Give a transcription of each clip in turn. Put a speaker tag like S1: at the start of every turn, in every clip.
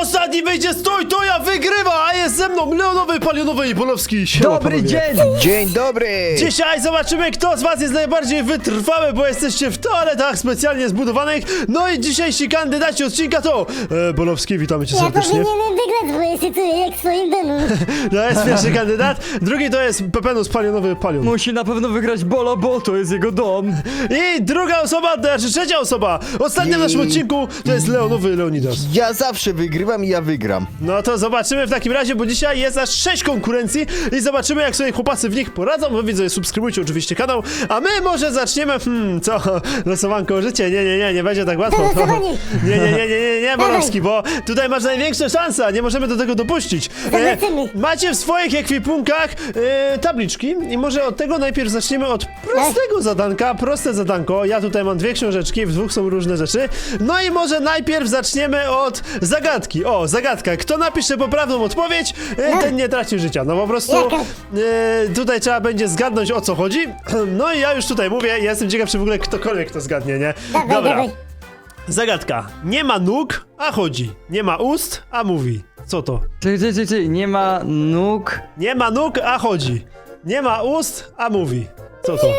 S1: ostatni wyjdzie, stój, to ja wygrywa, a jest ze mną Leonowy, Palionowy i Bolowski. Siema,
S2: Dobry
S1: panowie.
S2: dzień!
S3: Dzień dobry!
S1: Dzisiaj zobaczymy, kto z was jest najbardziej wytrwały, bo jesteście w toaletach specjalnie zbudowanych. No i dzisiejsi kandydaci odcinka to Bolowski, witamy cię
S4: Ja
S1: serdecznie.
S4: powinienem wygrać, bo ja się czuję jak w swoim domu.
S1: To jest pierwszy kandydat. Drugi to jest Pepenus Palionowy Palion.
S2: Musi na pewno wygrać Bolo, bo to jest jego dom.
S1: I druga osoba, znaczy trzecia osoba, ostatnia w naszym odcinku to jest Leonowy Leonidas.
S3: Ja zawsze wygrywam i ja wygram.
S1: No to zobaczymy w takim razie, bo dzisiaj jest aż 6 konkurencji i zobaczymy, jak sobie chłopacy w nich poradzą. Wy widzowie, subskrybujcie oczywiście kanał, a my może zaczniemy, co? Losowanko życie? Nie będzie tak łatwo.
S4: Losowanie.
S1: Nie, Bolowski, bo tutaj masz największe szanse, nie możemy do tego dopuścić.
S4: Zobaczymy.
S1: Macie w swoich ekwipunkach tabliczki i może od tego najpierw zaczniemy od prostego zadanka, proste zadanko. Ja tutaj mam dwie książeczki, w dwóch są różne rzeczy. No i może najpierw zaczniemy od zagadki. O, zagadka. Kto napisze poprawną odpowiedź, ten nie traci życia. No po prostu
S4: Jaka?
S1: tutaj trzeba będzie zgadnąć, o co chodzi. No i ja już tutaj mówię, ja jestem ciekaw, czy w ogóle ktokolwiek to zgadnie, nie?
S4: Dawaj.
S1: Zagadka. Nie ma nóg, a chodzi. Nie ma ust, a mówi. Co to?
S2: Czyli, nie ma nóg.
S1: Nie ma nóg, a chodzi. Nie ma ust, a mówi. Co to?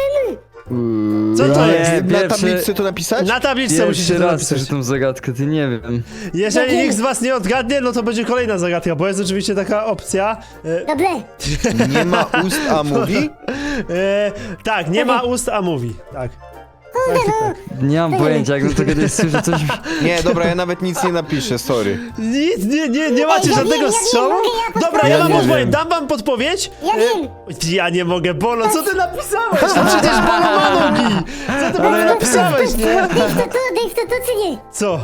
S1: Co to
S2: Nie,
S1: jest?
S3: Na
S2: pierwszy-
S3: tablicy to napisać?
S1: Na tabliczce musicie
S2: Pierwszy
S1: to
S2: raz
S1: napisać.
S2: słyszę tą zagadkę, ty nie wiem.
S1: Jeżeli nikt z was nie odgadnie, no to będzie kolejna zagadka, bo jest oczywiście taka opcja.
S4: Dobre.
S3: Nie ma ust, a mówi?
S1: Tak, nie ma ust, a mówi. Tak. Tak.
S2: Nie mam pojęcia, jakbym to kiedyś słyszał coś...
S3: Nie, dobra, ja nawet nic nie napiszę, sorry.
S1: Nic, nie macie
S4: ja
S1: żadnego
S4: wiem,
S1: strzału?
S4: mogę ja
S1: Dobra, ja
S3: Ja
S1: wam
S3: nie
S1: podpowiem,
S3: wiem.
S1: dam wam podpowiedź.
S4: Ja wiem.
S1: Ja nie mogę, Bolo, co ty napisałeś? No przecież Bolo ma nogi. Co ty Bolo napisałeś, nie?
S4: Dave, to czy nie?
S1: Co?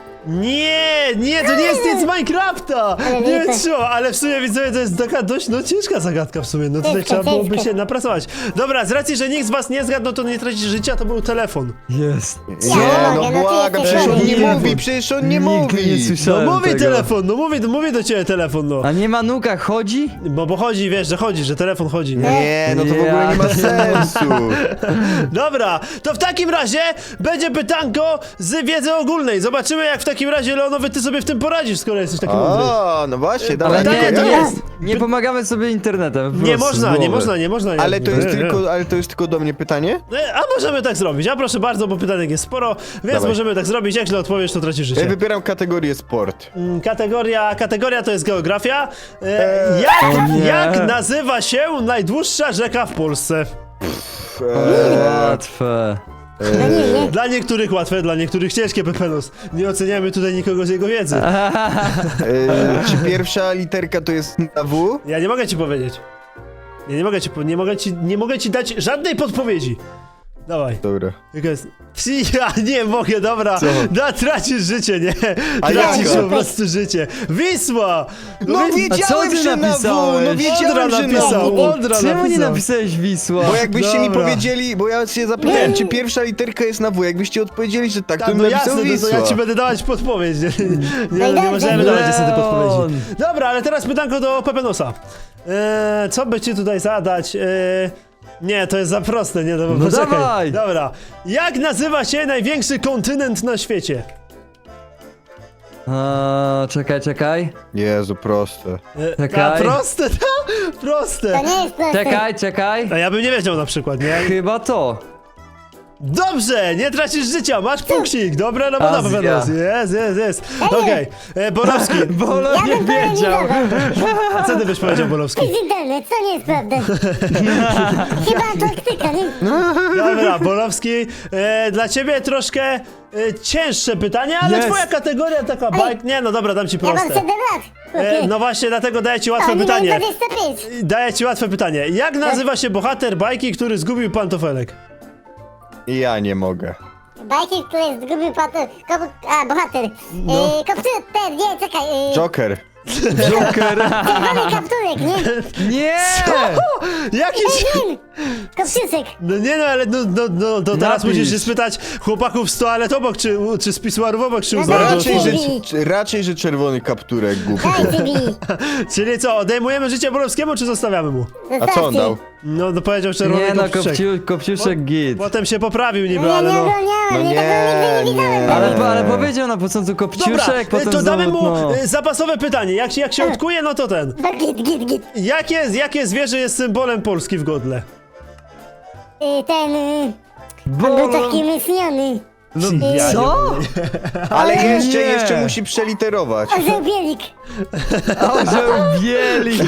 S1: Nie, to nie jest nic z Minecrafta!
S4: Ale
S1: Nie
S4: lipa.
S1: co, ale w sumie widzowie to jest taka dość ciężka zagadka w sumie, no tutaj
S4: Ciężka,
S1: trzeba byłoby
S4: ciężka.
S1: się napracować. Dobra, z racji, że nikt z was nie zgadł, to nie tracisz życia, to był telefon.
S2: Jest.
S3: Nie, no
S4: mogę, no ty
S3: błagam,
S4: jesteś
S3: przecież on nie
S2: chory.
S3: mówi, przecież on nie
S2: Nigdy
S3: mówi.
S2: nie
S1: No
S2: słyszałem
S1: mówi
S2: tego.
S1: telefon, no mówi do ciebie telefon, no.
S2: A nie ma nóg, a chodzi?
S1: Bo chodzi, wiesz, że chodzi, że telefon chodzi, nie?
S3: Nie, no to w ogóle nie ma sensu.
S1: Dobra, to w takim razie będzie pytanko z wiedzy ogólnej. Zobaczymy, jak w takim razie, Leonowy, ty sobie w tym poradzisz, skoro jesteś taki mądry.
S3: O, no właśnie,
S2: Ale
S3: dawaj.
S1: tak,
S2: nie,
S1: to
S2: nie,
S1: jest.
S2: nie pomagamy sobie internetem. po
S1: Nie
S2: prostu, z
S1: można, nie
S2: głowy.
S1: można.
S3: Ale to jest
S1: Nie.
S3: tylko do mnie pytanie?
S1: A możemy tak zrobić, a proszę bardzo, bo pytanek jest sporo, więc
S3: Dawaj.
S1: możemy tak zrobić, jak źle odpowiesz, to tracisz
S3: Ja
S1: życie.
S3: wybieram kategorię sport.
S1: Kategoria to jest geografia.
S2: O nie.
S1: Jak nazywa się najdłuższa rzeka w Polsce?
S2: Łatwe.
S4: No nie.
S1: Dla niektórych łatwe, dla niektórych ciężkie, Pepenus. Nie oceniamy tutaj nikogo z jego wiedzy.
S3: Czy pierwsza literka to jest na W?
S1: Ja nie mogę ci powiedzieć. Ja nie mogę ci dać żadnej podpowiedzi. Dawaj.
S3: Dobra.
S1: Jaka jest? Ja nie mogę, dobra. Tracisz życie, nie?
S3: A
S1: Tracisz
S3: jaka?
S1: po prostu życie. Wisła!
S3: No
S1: Wi-
S3: wiedziałem,
S2: ty
S3: że na W,
S2: napisałeś?
S3: no wiedziałem,
S1: Odra
S3: że na
S1: napisał,
S3: W.
S1: Odra
S2: Czemu nie
S1: napisał.
S2: napisałeś Wisła?
S3: Bo jakbyście mi
S1: Dobra.
S3: powiedzieli, bo ja się zapytałem, czy pierwsza literka jest na W, jakbyście odpowiedzieli, że tak, to
S1: Tak,
S3: bym
S1: no
S3: napisał
S1: jasne, no to
S3: Wisła.
S1: ja ci będę dawać podpowiedź. Nie
S4: dobrze.
S1: możemy dawać niestety podpowiedzi.
S2: Leon.
S1: Dobra, ale teraz pytanko do Pepenosa. Co by ci tutaj zadać? Nie, to jest za proste, nie,
S2: No
S1: poczekaj.
S2: dawaj.
S1: Dobra. Jak nazywa się największy kontynent na świecie?
S2: Czekaj.
S3: Jezu, proste.
S2: Czekaj.
S1: Proste, proste.
S4: To nie jest proste.
S2: Czekaj.
S1: A ja bym nie wiedział na przykład, nie?
S2: Chyba to.
S1: Dobrze, nie tracisz życia, masz punkcik. Dobra robota,
S2: Azja.
S1: Pepenos. Jest. Okej, Borowski.
S2: Bolo
S4: Ja
S2: nie
S4: bym powiedział.
S2: wiedział.
S1: A co ty byś powiedział, Borowski?
S4: To jest internet, to nie jest prawda. Chyba Antarktyka, nie?
S1: Dobra, Borowski, dla ciebie troszkę cięższe pytanie, ale
S2: Jest.
S1: twoja kategoria taka bajk... Nie, no dobra, dam ci
S4: Ja mam
S1: proste.
S4: 7 lat. chłopie.
S1: No właśnie, dlatego daję ci
S4: A
S1: łatwe
S4: oni mają
S1: pytanie.
S4: 25.
S1: Daję ci łatwe pytanie. Jak nazywa się bohater bajki, który zgubił pantofelek?
S3: Ja nie mogę.
S4: Bajki, które zgubił bohater.
S1: No.
S4: Komputer, nie, czekaj.
S3: Joker.
S2: Joker!
S4: Czerwony kapturek, nie?
S2: Nie!
S1: Jakiś...
S4: Kopciusek.
S1: No nie no, ale to teraz
S2: Napisz.
S1: musisz się spytać chłopaków z toalet obok, czy z pisuarów obok, czy u
S4: No
S1: zarodów.
S3: Raczej, że czerwony kapturek, głupie.
S4: Dajcie mi.
S1: Czyli co, odejmujemy życie Borowskiemu, czy zostawiamy mu?
S3: A co on dał?
S1: No powiedział czerwony
S2: Nie no,
S1: kopciuszek.
S2: Kopciuszek git.
S1: Potem się poprawił niby,
S4: No ja
S1: ale
S4: nie
S1: no...
S4: oglądałem,
S3: No
S4: ja tego nigdy nie
S3: nie.
S4: widziałem.
S2: Ale powiedział na początku
S1: Dobra,
S2: kopciuszek, potem
S1: to damy
S2: znowu,
S1: mu
S2: no.
S1: zapasowe pytanie. Jak się odkuje, no to ten.
S4: No git.
S1: Jakie zwierzę jest symbolem Polski w godle?
S4: Ten...
S2: Bo...
S4: On był taki myślony.
S1: No,
S2: Co?
S3: Ale
S2: Nie.
S3: jeszcze musi przeliterować.
S4: Orzeł bielik.
S2: Orzeł bielik!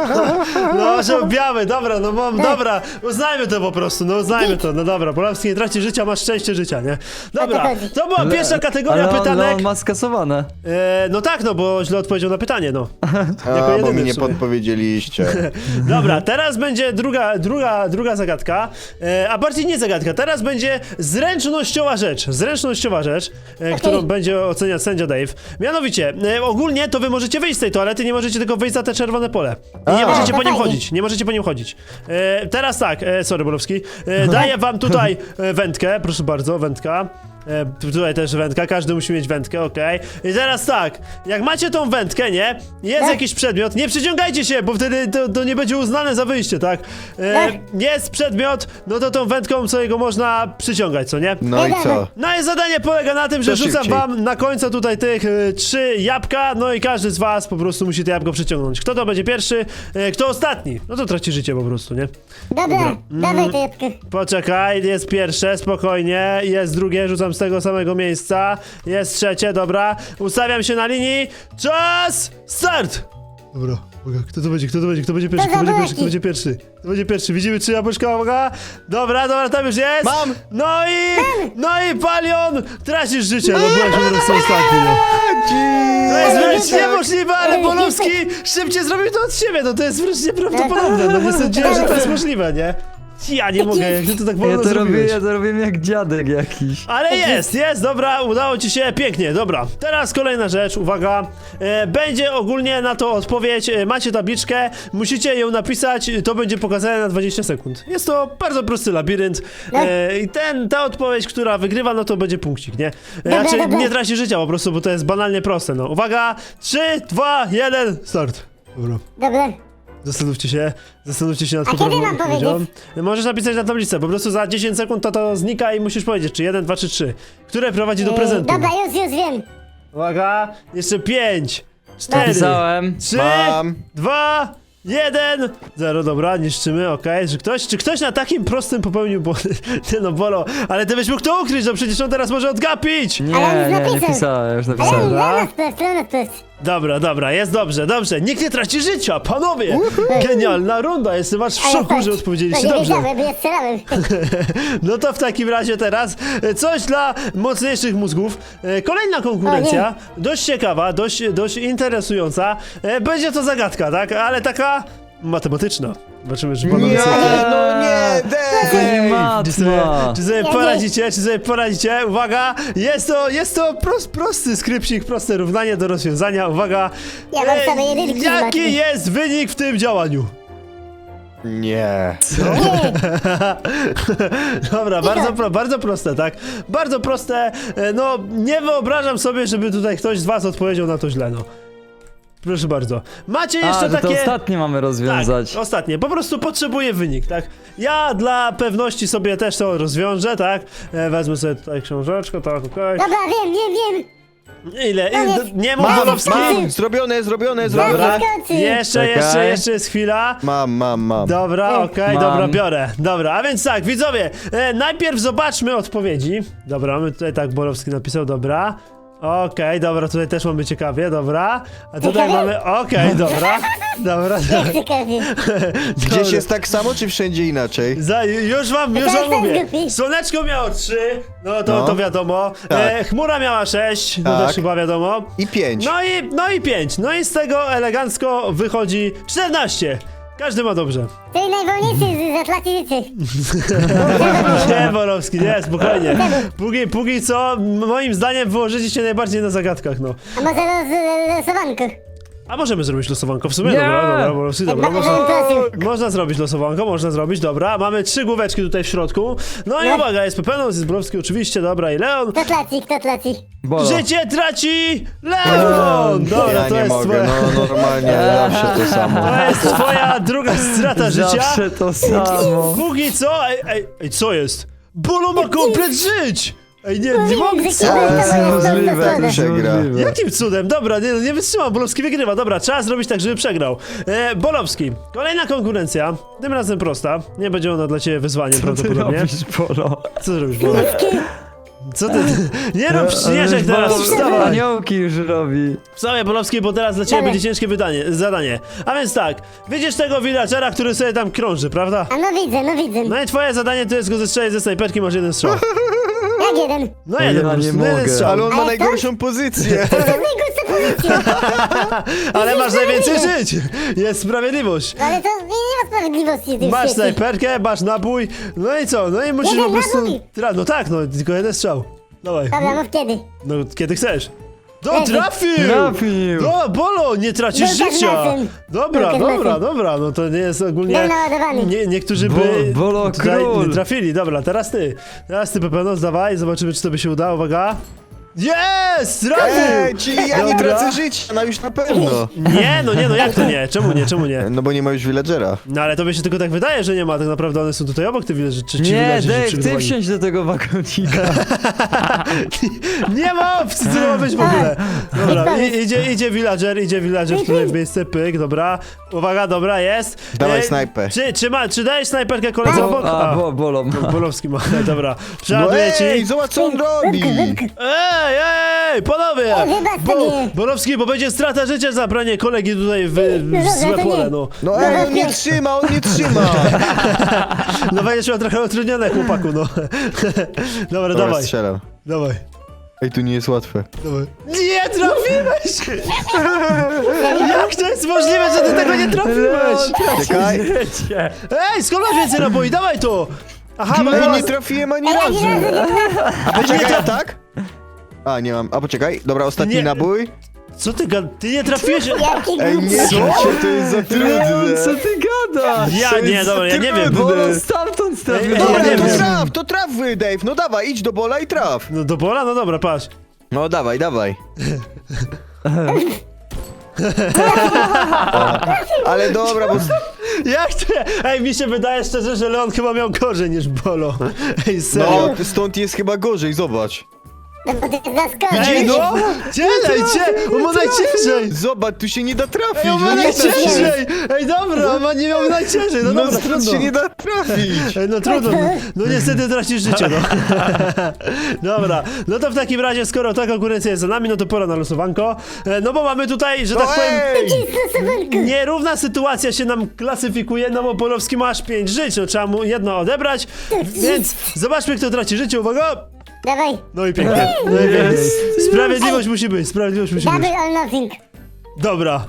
S1: No, że biały, dobra, no dobra, uznajmy to po prostu, no uznajmy to, no dobra, Polski nie traci życia, masz szczęście życia, nie? Dobra,
S4: chodzi.
S1: to była pierwsza kategoria
S2: Ale
S1: pytanek.
S2: on ma skasowane.
S1: No tak, no bo źle odpowiedział na pytanie, no. Jako
S3: A, bo
S1: jedyny
S3: mi
S1: w
S3: nie
S1: sumie.
S3: podpowiedzieliście.
S1: Dobra, teraz będzie druga zagadka, a bardziej nie zagadka, teraz będzie zręcznościowa rzecz, którą będzie oceniać sędzia Dave. Mianowicie, ogólnie to wy możecie wyjść z tej toalety, nie możecie tylko wyjść za te czerwone pole. I nie możecie
S4: to
S1: po nim
S4: fajnie.
S1: chodzić, nie możecie po nim chodzić. Teraz tak, sorry Borowski, daję wam tutaj wędkę, proszę bardzo, wędka. Tutaj też wędka, każdy musi mieć wędkę, okej. I teraz tak, jak macie tą wędkę, nie? Jest jakiś przedmiot, nie przyciągajcie się, bo wtedy to nie będzie uznane za wyjście, tak? Jest przedmiot, no to tą wędką sobie go można przyciągać, co nie?
S3: No i co?
S1: No i zadanie polega na tym, że
S3: To
S1: rzucam
S3: szybciej.
S1: wam na końcu tutaj tych 3 jabłka, no i każdy z was po prostu musi to jabłko przyciągnąć. Kto to będzie pierwszy, kto ostatni? No to traci życie po prostu, nie?
S4: Dobra, dawaj to jabłko.
S1: Poczekaj, jest pierwsze, spokojnie, jest drugie, rzucam z tego samego miejsca, jest trzecie, dobra, ustawiam się na linii, czas, start! Dobra, uwaga, kto będzie pierwszy, kto będzie pierwszy, widzimy 3 jabłuszka, uwaga, dobra, tam już jest,
S3: Mam!
S1: no i Palion, tracisz życie, no byłeś po prostu ostatni, no. To jest wręcz niemożliwe, ale Polowski szybciej zrobił to od siebie, no to jest wręcz nieprawdopodobne, no nie sądziłem, że to jest możliwe, nie? Ja nie mogę, jak ty to tak wolno zrobiłeś.
S2: Ja to robię jak dziadek jakiś.
S1: Ale jest, dobra, udało ci się, pięknie, dobra. Teraz kolejna rzecz, uwaga. Będzie ogólnie na to odpowiedź, macie tabliczkę, musicie ją napisać, to będzie pokazane na 20 sekund. Jest to bardzo prosty labirynt i ta odpowiedź, która wygrywa, no to będzie punkcik, nie? Znaczy,
S4: dobra.
S1: nie traci życia po prostu, bo to jest banalnie proste, no. Uwaga, 3, 2, 1, start. Dobra.
S4: Dobra.
S1: Zastanówcie się nad
S4: A kiedy
S1: poprawną
S4: mam
S1: odpowiedzią.
S4: powiedzieć?
S1: Możesz napisać na tablicy, po prostu za 10 sekund to znika i musisz powiedzieć, czy 1, 2, czy 3. Które prowadzi do prezentu.
S4: Dobra, już wiem.
S1: Uwaga, jeszcze 5, 4,
S2: Napisałem.
S1: 3,
S3: Mam.
S1: 2, 1, 0, dobra, niszczymy, okej. Czy ktoś na takim prostym popełnił błąd? Nie no, Bolo, ale ty byś mógł to ukryć, no przecież on teraz może odgapić!
S2: Nie,
S4: Ale już
S2: nie
S4: napisał.
S2: pisałem, już
S4: Ale
S2: napisałem.
S1: Dobra.
S4: na wprost.
S1: Dobra, jest dobrze. Nikt nie traci życia, panowie! Genialna runda, jestem aż w szoku, że odpowiedzieliście
S4: Nie
S1: dobrze.
S4: wiedziałem, bo ja strzelałem.
S1: No to w takim razie teraz coś dla mocniejszych mózgów. Kolejna konkurencja, dość ciekawa, dość interesująca. Będzie to zagadka, tak? Ale taka matematyczna. Zobaczymy, czy panowie
S3: Nie,
S1: sobie...
S3: no nie, Dave!
S1: Czy sobie poradzicie? Uwaga, jest to prosty skrypcik, proste równanie do rozwiązania. Uwaga,
S4: Ja mam same jedynki,
S1: jaki
S4: Maciej.
S1: jest wynik w tym działaniu?
S3: Nie.
S1: Dobra, bardzo proste, tak? Bardzo proste, no nie wyobrażam sobie, żeby tutaj ktoś z was odpowiedział na to źle, no. Proszę bardzo. Macie jeszcze
S2: To
S1: takie...
S2: ostatnie mamy rozwiązać.
S1: Tak, ostatnie. Po prostu potrzebuję wynik, tak? Ja dla pewności sobie też to rozwiążę, tak? Wezmę sobie tutaj książeczkę, tak, okej.
S4: Dobra, wiem.
S1: Ile?
S4: Koniec.
S1: Nie mów
S4: Mam,
S1: Wolowski.
S3: Mam, zrobione.
S1: Dobra.
S4: Skoczy.
S1: Jeszcze jest chwila.
S3: Mam.
S1: Dobra, okej,
S2: Mam.
S1: dobra, biorę. Dobra, a więc tak, widzowie, najpierw zobaczmy odpowiedzi. Dobra, my tutaj tak Borowski napisał, dobra. Okej, dobra, tutaj też mamy ciekawie, dobra. A tutaj
S4: Ciekawie?
S1: mamy, okej, dobra.
S4: Ciekawie.
S3: Gdzieś jest tak samo, czy wszędzie inaczej?
S1: Już wam
S4: jest
S1: mówię.
S4: głupi.
S1: Słoneczko miało 3, no to
S3: No.
S1: wiadomo.
S3: Tak.
S1: Chmura miała 6, no
S3: Tak.
S1: też chyba wiadomo.
S3: I 5.
S1: No i 5. No i z tego elegancko wychodzi 14. Każdy ma dobrze.
S4: To jest najwolniejszy z Atlantycy.
S1: Nie, Borowski, nie, spokojnie. Póki co, moim zdaniem wyłożycie się najbardziej na zagadkach, no.
S4: A może losowanko?
S1: A możemy zrobić losowanko w sumie?
S2: Nie!
S1: Dobra, Bolowski, dobra,
S4: Bardzo
S1: można...
S4: prosił.
S1: Można zrobić losowanko, można zrobić, dobra. Mamy 3 główeczki tutaj w środku. No i
S4: No.
S1: uwaga, jest Pepenos, jest Bolowski oczywiście, dobra, i Leon.
S4: Kto traci, kto traci?
S2: Bolo.
S1: Życie traci Leon! Dobra,
S3: Ja
S1: to
S3: nie
S1: jest
S3: mogę,
S1: twoja...
S3: no normalnie, zawsze to samo.
S1: To jest twoja druga strata życia.
S2: Zawsze to samo.
S1: Póki co... Ej, co jest? Bolo ma komplet żyć! Ej, nie mogę...
S4: że
S1: Co?
S4: kiedy to jest
S3: niemożliwe,
S4: to jest
S3: przegra.
S1: Jakim cudem? Dobra, nie wytrzymam, Bolowski wygrywa. Dobra, trzeba zrobić tak, żeby przegrał. Bolowski, kolejna konkurencja. Tym razem prosta. Nie będzie ona dla ciebie wyzwaniem
S2: Co ty
S1: prawdopodobnie.
S2: robisz, Bolo?
S1: Co zrobisz, Bolo? Co ty? Nie rób śnieżek teraz, wstawaj!
S2: Aniołki już robi.
S1: Wstawaj, Bolowski, bo teraz dla ciebie
S4: Dawaj.
S1: będzie ciężkie zadanie. A więc tak, widzisz tego villagera, który sobie tam krąży, prawda?
S4: A no widzę, no widzę.
S1: No i twoje zadanie to jest go zestrzelić ze snajperki, masz jeden strzał.
S4: Jak jeden?
S1: No
S2: Ja
S1: jeden,
S2: nie
S1: po prostu,
S2: mogę.
S1: jeden strzał.
S3: Ale on ma
S4: Ale
S3: najgorszą pozycję.
S4: To jest najgorsza pozycja.
S1: Ale masz najwięcej żyć! Jest sprawiedliwość.
S4: No ale to nie ma sprawiedliwości w tym
S1: Masz
S4: świecie.
S1: snajperkę, masz nabój, no i co? No i musisz
S4: Jeden
S1: po prostu...
S4: nabój.
S1: No tak, no tylko jeden strzał. Dawaj.
S4: Dobra, mów kiedy.
S1: No kiedy chcesz. No
S4: Kiedy?
S1: trafił!
S2: Trafił.
S1: No Bolo, nie tracisz
S4: Lukas
S1: życia!
S4: Mesem.
S1: Dobra,
S4: Lukas
S1: dobra,
S4: Mesem.
S1: dobra, no to nie jest ogólnie...
S4: Był naładowany.
S1: Niektórzy by
S2: Bolo
S1: tutaj
S2: król.
S1: nie trafili. Dobra, teraz ty. Teraz ty, Pepenos, dawaj, zobaczymy, czy to by się udało, uwaga. Jest! Trafił!
S3: Czyli ja nie
S1: Dobra.
S3: tracę życia, no już na pewno.
S1: Nie, no jak to nie? Czemu nie?
S3: No bo nie ma już villagera.
S1: No ale tobie się tylko tak wydaje, że nie ma, tak naprawdę one są tutaj obok, te villagerzy, czy ci
S2: Nie,
S1: villagerzy się
S2: Dave, ty
S1: przygotowali.
S2: wsiądź do tego wagonika.
S1: Nie ma opcji, co to ma być w ogóle. Dobra, idzie villager tutaj w miejsce, pyk, dobra. Uwaga, dobra, jest.
S3: Dawaj snajpę.
S1: Czy dajesz snajperkę koledze obok?
S2: Bolo ma.
S1: Bolowski ma, dobra.
S3: No
S1: Przeładuję ci.
S3: ej, zobacz co on robi.
S1: Ej, panowie!
S4: Wybacz sobie.
S1: Bolowski, bo będzie strata życia za branie kolegi tutaj w
S4: Dobra,
S1: złe
S4: to
S1: pole,
S4: nie.
S1: no.
S3: No ej, on nie trzyma, on nie trzyma.
S1: No będziesz miał trochę utrudnione, chłopaku, no. Dobra,
S3: Dobra,
S1: dawaj,
S3: strzelam.
S1: dawaj.
S3: Ej, tu nie jest łatwe.
S1: Dawaj. Nie trafiłeś! Jak to jest możliwe, że ty tego nie trafiłeś?
S3: Czekaj.
S1: Ej, skąd masz więcej naboi? Dawaj to! Aha, bo
S3: Ej,
S1: teraz...
S3: nie trafiłem ani
S4: Ej,
S3: razu.
S4: ani razu nie
S3: A poczekaj, a tak? A, nie mam. A poczekaj, dobra, ostatni
S1: Nie.
S3: nabój.
S1: Co ty ty nie trafiłeś?
S4: Jaki
S3: Ej,
S4: głupi.
S3: nie, to jest za trudne.
S2: Co ty gadasz?
S1: Ja nie, dobra, ja nie wiem.
S2: Bolo stamtąd trafił.
S1: Ej,
S3: Dobra,
S1: ja nie
S3: to
S1: wiem.
S3: traf, to traf, Dave. No dawaj, idź do bola i traf.
S1: No do pola? No dobra, patrz.
S3: No dawaj, dawaj. Ale dobra, bo...
S1: Jak to? Ej, mi się wydaje szczerze, że Leon chyba miał gorzej niż Bolo. Ej, serio.
S3: No, stąd jest chyba gorzej, zobacz.
S4: No bo to jest zaskoczenie.
S1: Ej, no! Cielej, on ma najciężej!
S3: Zobacz, tu się nie da trafić,
S1: Ej, on ma
S3: no nie da się.
S1: najciężej! Ej, dobra, on nie miał najciężej, no
S3: No
S1: dobra,
S3: stąd
S1: trudno.
S3: się nie da trafić.
S1: Ej, no trudno, no niestety tracisz życie, no. Dobra, no to w takim razie, skoro ta konkurencja jest za nami, no to pora na losowanko. No bo mamy tutaj, że tak
S3: No
S1: powiem,
S3: ej!
S4: Stosunku.
S1: nierówna sytuacja się nam klasyfikuje, no bo Polowski ma aż 5 żyć, no trzeba mu jedno odebrać, więc zobaczmy, kto traci życie, uwaga!
S4: Dawaj.
S1: No i pięknie, no i pięknie. Sprawiedliwość musi być, sprawiedliwość musi być.
S4: Double or nothing.
S1: Dobra.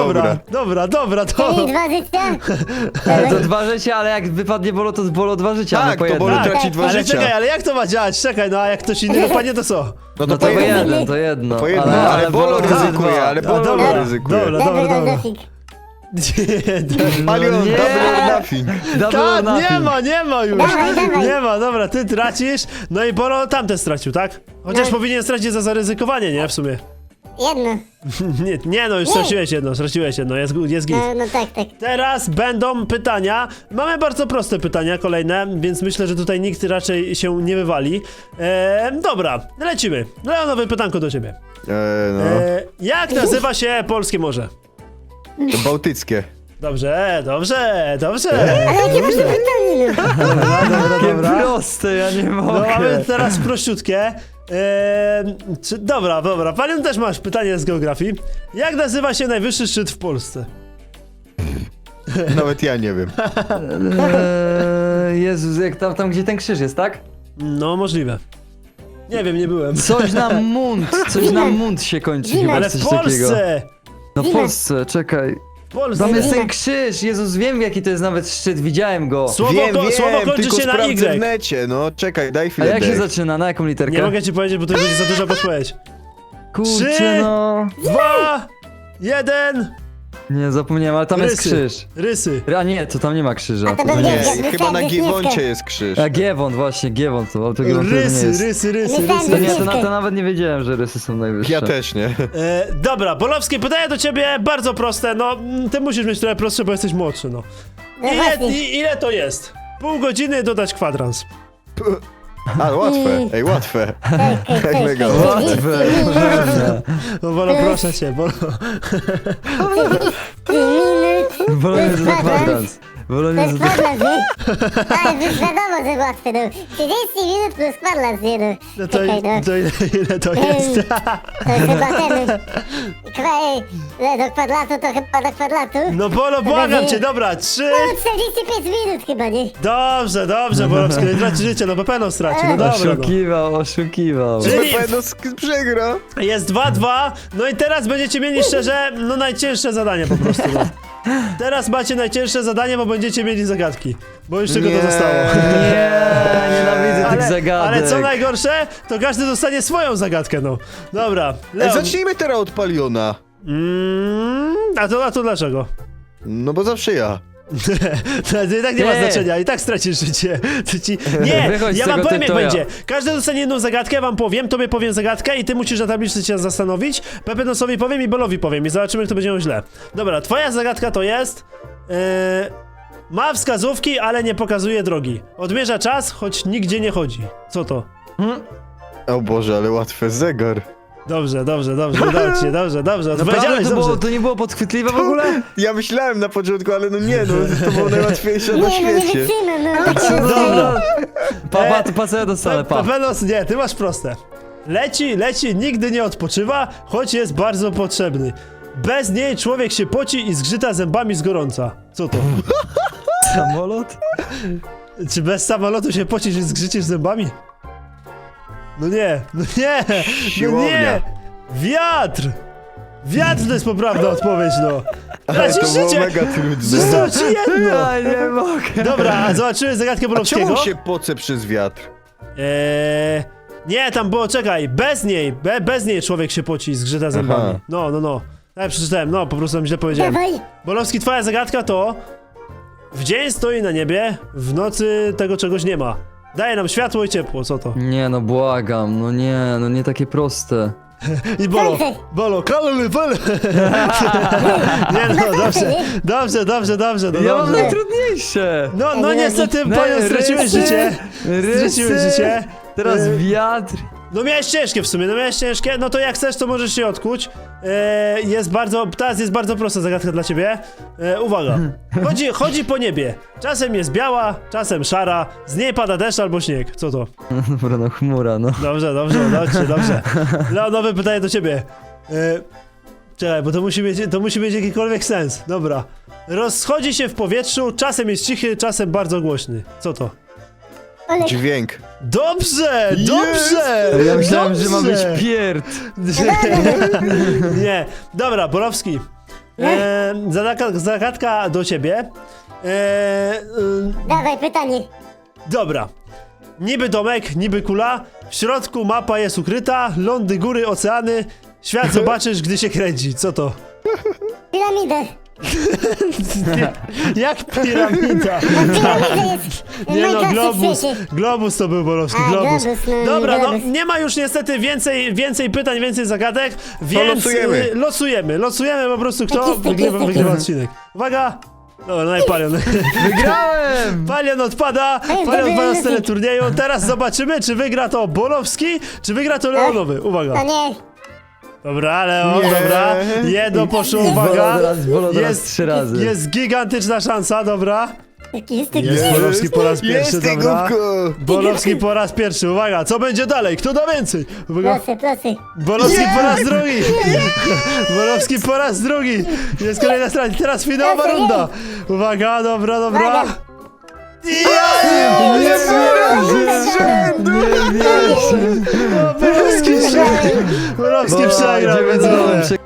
S4: Czyli 2 życia.
S2: To 2 życia, ale jak wypadnie Bolo, to z Bolo 2 życia,
S3: Tak,
S2: no po
S3: to
S2: jednym.
S3: Bolo
S1: Tak,
S3: traci 2
S1: ale
S3: życia.
S1: czekaj, ale jak to ma działać? Czekaj, no a jak ktoś inny wypadnie, to co?
S3: No
S2: No
S3: to
S2: to po
S3: jedno.
S2: jednym, to jedno.
S3: Po jedno, ale Bolo
S2: dwa.
S3: ryzykuje, ale
S1: A,
S3: Bolo
S1: dobra,
S3: ryzykuje.
S1: dobra.
S4: Double or nothing.
S3: Palion,
S2: nie.
S3: double or nothing.
S2: Double or
S1: Tak,
S2: nothing.
S1: nie ma już.
S4: Dawaj.
S1: Nie ma, dobra, ty tracisz, no i Bolo tamten stracił, tak? Chociaż
S4: No.
S1: powinien stracić za zaryzykowanie, nie? W sumie.
S4: Jedno.
S1: Nie no, już straciłeś jedno, jest git.
S4: No tak.
S1: Teraz będą pytania. Mamy bardzo proste pytania kolejne, więc myślę, że tutaj nikt raczej się nie wywali. Dobra, lecimy. Leonowe pytanko do ciebie.
S3: No,
S1: Jak nazywa się Polskie Morze?
S3: to bałtyckie.
S1: Dobrze.
S4: Ale jakie masz pytanie, no?
S2: Takie proste, ja nie
S1: No
S2: mogę.
S1: mamy teraz prościutkie. Dobra. Panion też masz pytanie z geografii. Jak nazywa się najwyższy szczyt w Polsce?
S3: Nawet ja nie wiem.
S2: Jezus, jak tam gdzie ten krzyż jest, tak?
S1: No, możliwe. Nie wiem, nie byłem.
S2: Coś na mund się kończy chyba,
S1: Ale
S2: coś
S1: w
S2: takiego.
S1: Polsce!
S2: No w Polsce, czekaj.
S1: W Polsce!
S2: Tam jest ten krzyż, Jezus, wiem jaki to jest nawet szczyt, widziałem go.
S1: Słowo,
S3: Wiem,
S1: słowo kończy
S3: tylko
S1: się na
S3: sprawdzę w
S1: Y.
S3: necie, no czekaj, daj
S2: A
S3: chwilę,
S2: jak się
S3: Dave.
S2: zaczyna, na jaką literkę?
S1: Nie mogę ci powiedzieć, bo to będzie za duża podpowiedź.
S2: Kurczę,
S1: Trzy.
S2: no.
S1: 2, 1.
S2: Nie, zapomniałem, ale tam jest krzyż.
S1: Rysy.
S2: A nie, to tam nie ma krzyża.
S4: A to
S2: To
S4: pewnie
S2: nie
S3: Nie,
S2: jest.
S3: chyba na Giewoncie jest krzyż.
S2: A Giewont, właśnie, Giewont, to autogiewont to nie
S1: Rysy,
S2: jest.
S1: rysy, rysy,
S4: Myślałem,
S2: To
S1: rysy.
S2: nie, to nawet nie wiedziałem, że rysy są najwyższe.
S3: Ja też nie.
S1: Dobra, Bolowski, pytanie do ciebie bardzo proste. No, ty musisz mieć trochę prostsze, bo jesteś młodszy, no.
S4: No właśnie.
S1: Ile to jest? Pół godziny dodać kwadrans.
S3: A, łatwe. Ej, łatwe.
S4: Tak,
S3: mega
S2: łatwe.
S1: No, Bolo, proszę cię, Bolo.
S2: Wolę za kwadrans. Wolę
S4: To jest
S2: za...
S4: kwadrans, nie? Ale już wiadomo, że łatwe, no. 30 minut plus kwadrans, nie no.
S1: No to,
S4: Czekaj, no.
S1: to ile to jest?
S4: To jest chyba ten... do kwadratu to chyba do kwadratu.
S1: No Bolo, błagam cię, dobra, 3.
S4: No 45 minut chyba, nie?
S1: Dobrze, dobrze, Bolowski, nie traci życie, no Pepeno straci, no dobra, no.
S2: Oszukiwał.
S1: Czyli-
S3: Pewno przegra.
S1: Jest 2-2, no i teraz będziecie mieli szczerze, no najcięższe zadanie po prostu, no. Teraz macie najcięższe zadanie, bo będziecie mieli zagadki, bo już tylko to
S3: Nie.
S1: zostało.
S2: Nie, nienawidzę tych zagadek.
S1: Ale co najgorsze, to każdy dostanie swoją zagadkę, no. Dobra,
S3: Ej,
S1: Leon.
S3: zacznijmy teraz od Paliona.
S1: A to dlaczego?
S3: No bo zawsze ja.
S1: To i tak nie ma
S2: Ty.
S1: znaczenia, i tak stracisz życie. Nie,
S2: Wychodź z
S1: ja wam
S2: tego
S1: powiem jak
S2: tytoja.
S1: będzie. Każdy dostanie jedną zagadkę, wam powiem, tobie powiem zagadkę i ty musisz na tabliczce się zastanowić. Pepenosowi powiem i Bolowi powiem i zobaczymy, kto będzie miał źle. Dobra, twoja zagadka to jest... ma wskazówki, ale nie pokazuje drogi. Odmierza czas, choć nigdzie nie chodzi. Co to?
S3: O Boże, ale łatwe. Zegar.
S1: Dobrze, udało ci się, dobrze.
S2: Naprawdę
S1: Odpowiedziałeś, dobrze.
S2: to nie było podchwytliwe w ogóle?
S3: Ja myślałem na początku, ale no nie, no to było najłatwiejsze na
S4: Nie, no nie
S3: świecie.
S4: wytrzymam, no. Takie
S1: Dobra.
S2: Pa, co ja dostanę, pa.
S1: Pepenos, nie, ty masz proste. Leci, nigdy nie odpoczywa, choć jest bardzo potrzebny. Bez niej człowiek się poci i zgrzyta zębami z gorąca. Co to?
S2: Samolot?
S1: Czy bez samolotu się pocisz i zgrzycisz zębami? No nie.
S3: Siłownia.
S1: Wiatr! Wiatr to jest poprawna odpowiedź, no.
S3: Ale
S1: Tracisz
S3: to było
S1: życie.
S3: mega trudne.
S1: Zostało ci jedno.
S2: Ja nie mogę.
S1: Dobra, a zobaczymy zagadkę
S3: A
S1: Bolowskiego.
S3: czemu się poce przez wiatr?
S1: Nie, tam było, czekaj, bez niej człowiek się poci i zgrzyta zębami.
S3: Aha.
S1: No. Tak, przeczytałem, no, po prostu tam źle powiedziałem.
S4: Dawaj.
S1: Bolowski, twoja zagadka to... W dzień stoi na niebie, w nocy tego czegoś nie ma. Daje nam światło i ciepło, co to?
S2: Nie, no błagam, no nie takie proste.
S1: I Bolo, kalony, Nie no, dobrze.
S2: Ja mam
S1: dobrze.
S2: najtrudniejsze.
S1: No niestety, panią straciłeś życie. Straciłeś życie.
S2: Teraz wiatr.
S1: No miałeś ciężkie w sumie, no to jak chcesz, to możesz się odkuć. Teraz jest bardzo prosta zagadka dla ciebie. Uwaga, chodzi po niebie. Czasem jest biała, czasem szara, z niej pada deszcz albo śnieg. Co to?
S2: Dobra, no chmura, no.
S1: Dobrze. Leonowe pytanie do ciebie. Czekaj, bo to musi mieć jakikolwiek sens. Dobra. Rozchodzi się w powietrzu, czasem jest cichy, czasem bardzo głośny. Co to?
S4: Olek.
S3: Dźwięk.
S1: Dobrze!
S2: Ja myślałem, że ma być
S1: Dobrze.
S2: pierd.
S1: Nie. Dobra, Borowski. Zagadka do ciebie.
S4: Dawaj, pytanie.
S1: Dobra. Niby domek, niby kula. W środku mapa jest ukryta. Lądy, góry, oceany. Świat zobaczysz, gdy się kręci. Co to?
S4: Piramidę.
S1: Jak piramida?
S4: Piramida jest
S1: Nie no,
S4: najprostszy w świecie.
S1: globus to był Borowski,
S4: A,
S1: globus.
S4: globus, no,
S1: Dobra, no
S4: globus.
S1: nie ma już niestety więcej pytań, więcej zagadek, więc losujemy po prostu kto
S4: Taki
S1: wygrywa odcinek. Uwaga! No i Palion.
S2: Wygrałem!
S1: Palion odpada z teleturnieju. Teraz zobaczymy, czy wygra to Bolowski, czy wygra to Leonowy. Uwaga.
S4: To nie.
S1: Dobra, Leon,
S3: Nie.
S1: dobra. Jedno poszło, uwaga.
S2: Bolo teraz 3 razy.
S1: Jest gigantyczna szansa, dobra.
S4: Taki jest
S1: Jest Bolowski po raz pierwszy,
S3: Jest,
S1: dobra.
S3: głupku.
S1: Bolowski po raz pierwszy, uwaga, co będzie dalej? Kto da więcej? Uwaga.
S4: Proszę.
S1: Bolowski po raz drugi! Bolowski po raz drugi! Jest kolejna strona, teraz finałowa
S4: Proszę,
S1: runda! Uwaga, dobra.
S4: Uwaga.
S1: Bolowski przegrał, więc
S2: Nie
S1: dobra.